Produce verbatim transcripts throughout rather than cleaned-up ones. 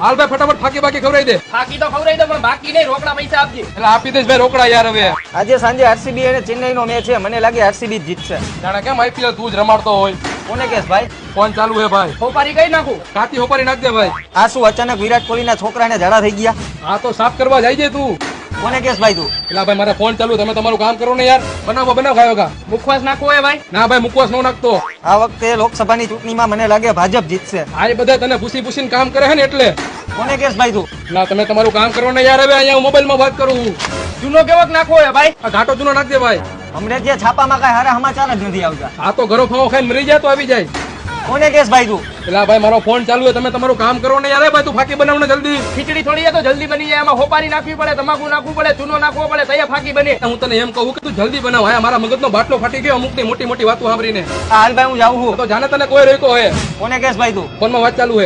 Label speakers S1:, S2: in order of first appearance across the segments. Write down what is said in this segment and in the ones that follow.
S1: હાલ ભાઈ ફટાફટ ફાકી બાકી ખવડાવી દે.
S2: ફાકી તો ખવડાવી દો પણ બાકી નહીં, રોકડા પૈસા આપજે.
S1: એટલે આપી દઈશ ભાઈ રોકડા યાર. હવે
S3: આજે સાંજે આરસીબી અને ચેન્નઈ નો મેચ છે, મને લાગે આરસીબી જ જીતશે.
S1: જાણે કેમ આઈપીએલ તું જ રમાડતો હોય.
S3: કોને કેસ ભાઈ?
S1: ફોન ચાલુ હે ભાઈ.
S2: હોપારી કઈ નાખું.
S1: કાતી હોપારી નાખ દે ભાઈ.
S3: આ શું અચાનક વિરાટ કોહલીના છોકરાને ઝાડા થઈ ગયા?
S1: આ તો સાફ કરવા જાય છે તું.
S3: કોને કેસ ભાઈ તું?
S1: એટલે ભાઈ મારા ફોન ચાલુ, તમે તમારું કામ કરો ને યાર. બનાવો બનાવ ખાયો કા.
S2: મુખવાસ નાખવો હોય ભાઈ?
S1: ના ભાઈ મુકવાસ ન નાખતો.
S3: આ વખતે લોકસભાની ચૂંટણીમાં મને લાગે ભાજપ જીતશે.
S1: આ એ બધા તને પૂછી પૂછીને કામ કરે છે ને એટલે.
S3: કોને કેસ ભાઈ તું?
S1: ના તમે તમારું કામ કરો ને યાર. હવે અહીંયા હું મોબાઈલમાં વાત કરું છું.
S2: જૂનો કેવોક નાખવો હોય ભાઈ?
S1: આ ઘાટો જૂનો નાખ દે ભાઈ.
S3: હમણાં જે છાપામાં કઈ હારા સમાચાર જ નથી આવતા.
S1: આ તો ઘરો ફાવો ખાઈને મરી જાય તો આવી જાય.
S3: કોને કેસ ભાઈ તું?
S1: એટલે ભાઈ મારો ફોન ચાલુ છે, તમે તમારું કામ કરો ને યાર. ભાઈ તું ફાકી બનાવ ને જલ્દી.
S2: ખીચડી થોડી છે તો જલ્દી બની જાય. એમાં હોપારી નાખવી પડે, તમાકુ નાખવું પડે, ચૂનો નાખવો પડે, તૈયાર ફાકી બને.
S1: હું તને એમ કહું કે તું જલ્દી બનાવ. હા મારા મગજનો બાટલો ફાટી ગયો અમુક ની મોટી મોટી વાતો સાંભળીને.
S3: આ હાલ ભાઈ હું જાઉં છું.
S1: તો જાણે તને કોઈ રોક્યો હે.
S3: કોને કેસ ભાઈ તું?
S1: ફોનમાં વાત ચાલુ હે.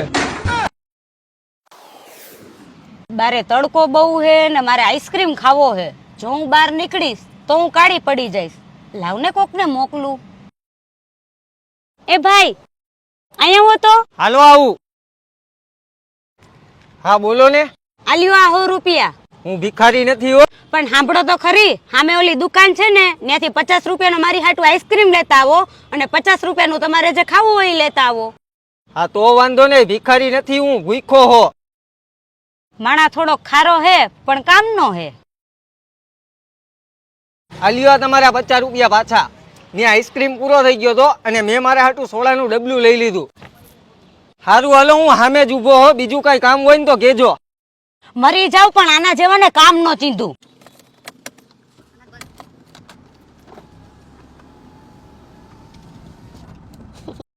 S4: બારે તડકો બહુ હે ને મારે આઈસ્ક્રીમ ખાવો હે. જો હું બહાર નીકળીશ તો હું કાળી પડી જઈશ. લાવને કોકને મોકલું. એ ભાઈ અહીંયા હો તો.
S3: હાલો આવું. હા બોલો ને.
S4: આલ્યો આ સો રૂપિયા.
S3: હું ભિખારી નથી હો.
S4: પણ સાંભળો તો ખરી, સામે ઓલી દુકાન છે ને ત્યાંથી પચાસ રૂપિયાનો મારી હાટુ આઈસ્ક્રીમ લેતા આવો અને પચાસ રૂપિયાનું તમારે જે ખાવું હોય એ લેતા આવો.
S3: હા તો વાંધો નહીં, ભિખારી નથી હું, ભૂખો હો.
S4: માણા થોડો ખારો હે પણ કામનો હે.
S3: આલ્યો તમારા પચાસ રૂપિયા પાછા. ને આઈસ્ક્રીમ પૂરો થઈ ગયો તો અને મેં મારા હાટુ સોડાનું ડબલું લઈ લીધું. સારું હાલો હું સામે જ ઊભો હો, બીજું કઈ કામ હોય ને તો કેજો.
S4: મરી જાવ પણ આના જેવાને કામ નો ચીંધું.